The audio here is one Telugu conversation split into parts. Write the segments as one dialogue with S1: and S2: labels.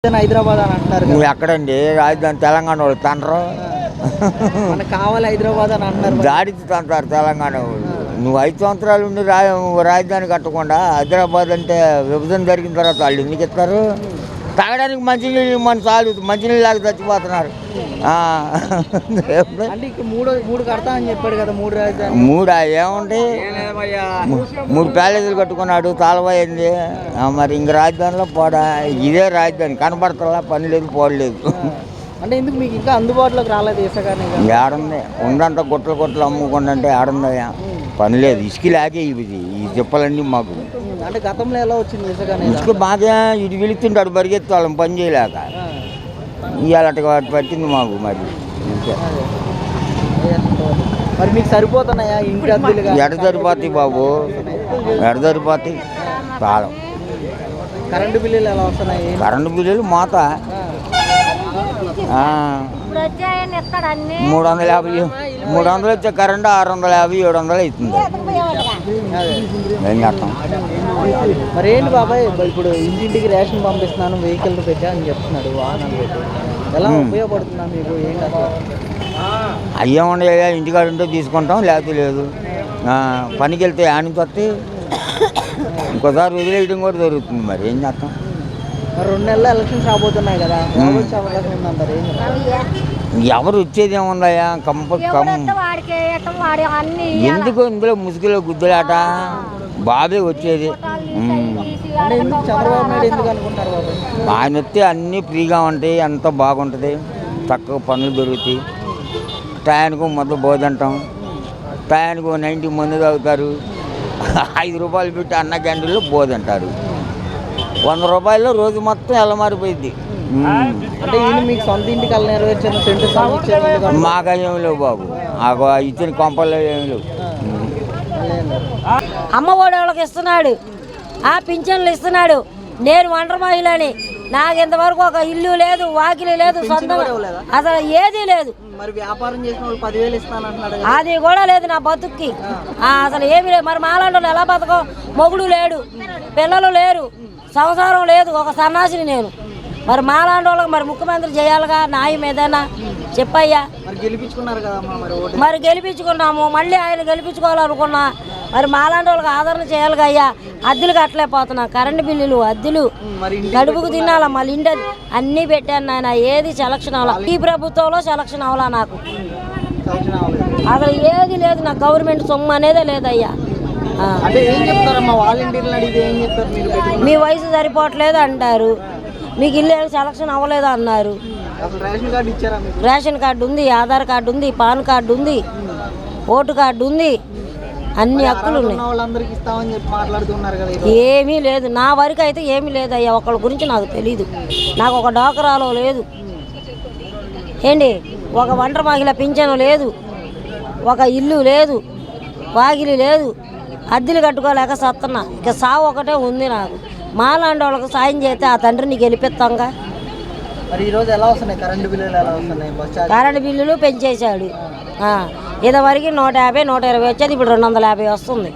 S1: హైదరాబాద్ అని అంటున్నారు.
S2: నువ్వు ఎక్కడండి రాజధాని? తెలంగాణ వాళ్ళు తండ్రు
S1: మనకు కావాలి హైదరాబాద్ అని అంటున్నారు.
S2: దాడికి తంటారు తెలంగాణ వాళ్ళు. నువ్వు 5 సంవత్సరాలు ఉండి రాజధాని కట్టకుండా హైదరాబాద్ అంటే విభజన జరిగిన తర్వాత వాళ్ళు ఎందుకు ఇస్తారు? తాగడానికి మంచినీళ్ళు మన చాలు, మంచినీళ్ళు లాగా చచ్చిపోతున్నారు.
S1: అంటే ఇక మూడు కడతా అని చెప్పాడు కదా, 3 రాజధాని.
S2: 3 ఏముంటాయి? 3 ప్యాలెస్లు కట్టుకున్నాడు, తాళమైంది. మరి ఇంక రాజధానిలో పోడా? ఇదే రాజధాని కనపడతలా, పని లేదు, పోడలేదు.
S1: అంటే ఎందుకు మీకు ఇంకా అందుబాటులోకి రాలేదు ఇసుకనే?
S2: ఏడుంది ఉందంట, గుట్టలు అమ్ముకుంటే ఏడుందయ్యా? పని లేదు, ఇసుక లాగే ఈ చెప్పలన్నీ మాకు.
S1: అంటే గతంలో ఎలా వచ్చింది
S2: ఇసుక బాగా ఇటు వెళుతుంటాడు, పరిగెత్తి వాళ్ళని పని చేయలేక ఇవాళ పట్టింది మాకు. మరి
S1: మరి మీకు సరిపోతున్నాయా ఇంటి అద్దెలు?
S2: ఎడ సరిపోతాయి బాబు, ఎడ సరిపోతాయి. కాలం
S1: కరెంటు బిల్లులు ఎలా వస్తున్నాయి?
S2: కరెంటు బిల్లులు మోత 350 వచ్చే కరెంటు 650 700 అవుతుంది. ఏం చేస్తాం?
S1: మరి ఏంటి బాబాయ్, ఇప్పుడు ఇంటింటికి రేషన్ పంపిస్తున్నాను, వెహికల్ పెట్టా అని చెప్తున్నాడు, వాహనాలు పెట్టి. ఎలా ఉపయోగపడుతుందా మీకు? ఏంటి
S2: అయ్యే ఉండేగా, ఇంటికాడ ఉంటే తీసుకుంటాం, లేకపోతే లేదు. పనికి వెళ్తే నుంచి వస్తే ఇంకోసారి వదిలేయడం కూడా జరుగుతుంది. మరి ఏం చేస్తాం?
S1: మరి 2 నెలలు ఎలక్షన్స్ రాబోతున్నాయి కదా, వచ్చే అవకాశం ఉందంటారు?
S2: ఎవరు వచ్చేది ఏముందయ్యా? ఎందుకు ఇందులో ముసుగులో గుద్దులాట? బాబే వచ్చేది.
S1: చంద్రబాబు నాయుడు ఎందుకు అనుకుంటారు బాబు?
S2: ఆయన వస్తే అన్నీ ఫ్రీగా ఉంటాయి, అంత బాగుంటుంది, చక్కగా పనులు దొరుకుతాయి. టయానికి మొదలు బోధంటాం, టయానికి 90 మంది తాగుతారు. 5 రూపాయలు పెట్టి అన్న క్యాంటీన్లో బోధంటారు. 100 రూపాయల్లో రోజు మొత్తం ఎలా మారిపోయింది.
S1: అంటే ఈయన మీకు సొంత ఇంటికి అలా నెరవేర్చారు?
S2: మాకు ఏమి లేవు బాబు, ఇచ్చిన కొంపల్లో ఏమి లేవు.
S3: అమ్మఒడి వాళ్ళకి ఇస్తున్నాడు, పింఛన్లు ఇస్తున్నాడు. నేను ఒంటరి మహిళని, నాకు ఇంతవరకు ఒక ఇల్లు లేదు, వాకిలి లేదు, సొంతం అసలు ఏదీ లేదు.
S1: మరి వ్యాపారం చేసిన వాళ్ళు 10,000 ఇస్తానంటున్నాడు,
S3: అది కూడా లేదు నా బతుక్కి. అసలు ఏమీ లేదు. మరి మాలాంటి ఎలా బతకం? మొగుడు లేడు, పిల్లలు లేరు, సంసారం లేదు, ఒక సన్నాసిని నేను. మరి మాలాంటి వాళ్ళకి మరి ముఖ్యమంత్రి చేయాలిగా, న్యాయం ఏదైనా చెప్పయ్యా. మరి గెలిపించుకున్నాము, మళ్ళీ ఆయన గెలిపించుకోవాలనుకున్నా. మరి మాలాంటి వాళ్ళకి ఆదరణ చేయాలిగా అయ్యా. అద్దెలు కట్టలేకపోతున్నా, కరెంటు బిల్లులు, అద్దెలు, గడుపుకు తినాలా, మళ్ళీ ఇంటి అన్నీ పెట్టాను నాయన. ఏది సెలక్షన్ అవ్వాలా? ఈ ప్రభుత్వంలో సెలక్షన్ అవ్వాలా నాకు? అసలు ఏది లేదు, నాకు గవర్నమెంట్ సొమ్ము అనేదే లేదయ్యా. మీ వయసు సరిపోవట్లేదు అంటారు, మీకు ఇల్లు సెలక్షన్ అవ్వలేదు అన్నారు. రేషన్ కార్డు ఉంది, ఆధార్ కార్డు ఉంది, పాన్ కార్డు ఉంది, ఓటు కార్డు ఉంది, అన్ని హక్కులు ఉన్నాయి. ఏమీ లేదు, నా వరకు అయితే ఏమీ లేదు అయ్యా. ఒకళ్ళ గురించి నాకు తెలీదు. నాకు ఒక డోకరాలో లేదు ఏంటి, ఒక ఒంటరి మహిళ పింఛను లేదు, ఒక ఇల్లు లేదు, వాకిలి లేదు, అద్దెలు కట్టుకోలేక సత్తన్నా. ఇక సావు ఒకటే ఉంది నాకు. మాలాంటి వాళ్ళకి సాయం చేస్తే ఆ తండ్రిని గెలిపిస్తాంగా. కరెంటు బిల్లులు పెంచేశాడు. ఇదివరకు 150 120 వచ్చేది, ఇప్పుడు 250 వస్తుంది.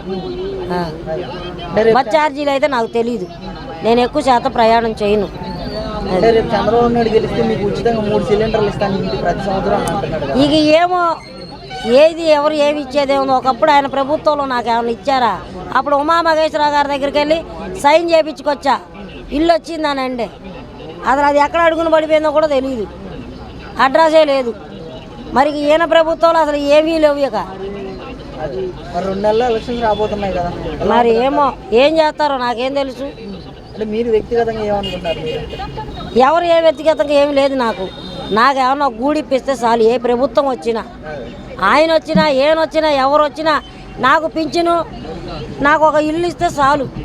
S3: బస్ ఛార్జీలు అయితే నాకు తెలీదు, నేను ఎక్కువ శాతం ప్రయాణం చేయను.
S1: చంద్రబాబు నాయుడు గెలిస్తే మీకు ఉచితంగా 3 సిలిండర్లు ఇస్తాను ప్రతి సంవత్సరం అంటున్నాడు.
S3: ఇక ఏమో ఏది ఎవరు ఏమి ఇచ్చేదేమో. ఒకప్పుడు ఆయన ప్రభుత్వంలో నాకు ఏమైనా ఇచ్చారా? అప్పుడు ఉమామహేశ్వరరావు గారి దగ్గరికి వెళ్ళి సైన్ చేయించుకొచ్చా, ఇల్లు వచ్చిందానండి. అసలు అది ఎక్కడ అడుగుని పడిపోయిందో కూడా తెలియదు, అడ్రస్సే లేదు. మరి ఈయన ప్రభుత్వంలో అసలు ఏమీ లేవు. ఇక
S1: 2 నెలల ఎలక్షన్స్ రాబోతున్నాయి కదా,
S3: మరి ఏమో ఏం చేస్తారో నాకేం తెలుసు.
S1: అంటే మీరు వ్యక్తిగతంగా ఏమనుకుంటారు?
S3: ఎవరు ఏ వ్యక్తిగతంగా ఏమి లేదు నాకు. నాకేమన్నా గూడిప్పిస్తే చాలు. ఏ ప్రభుత్వం వచ్చినా, ఆయన వచ్చినా, ఏనొచ్చినా, ఎవరు వచ్చినా నాకు పింఛను, నాకు ఒక ఇల్లు ఇస్తే చాలు.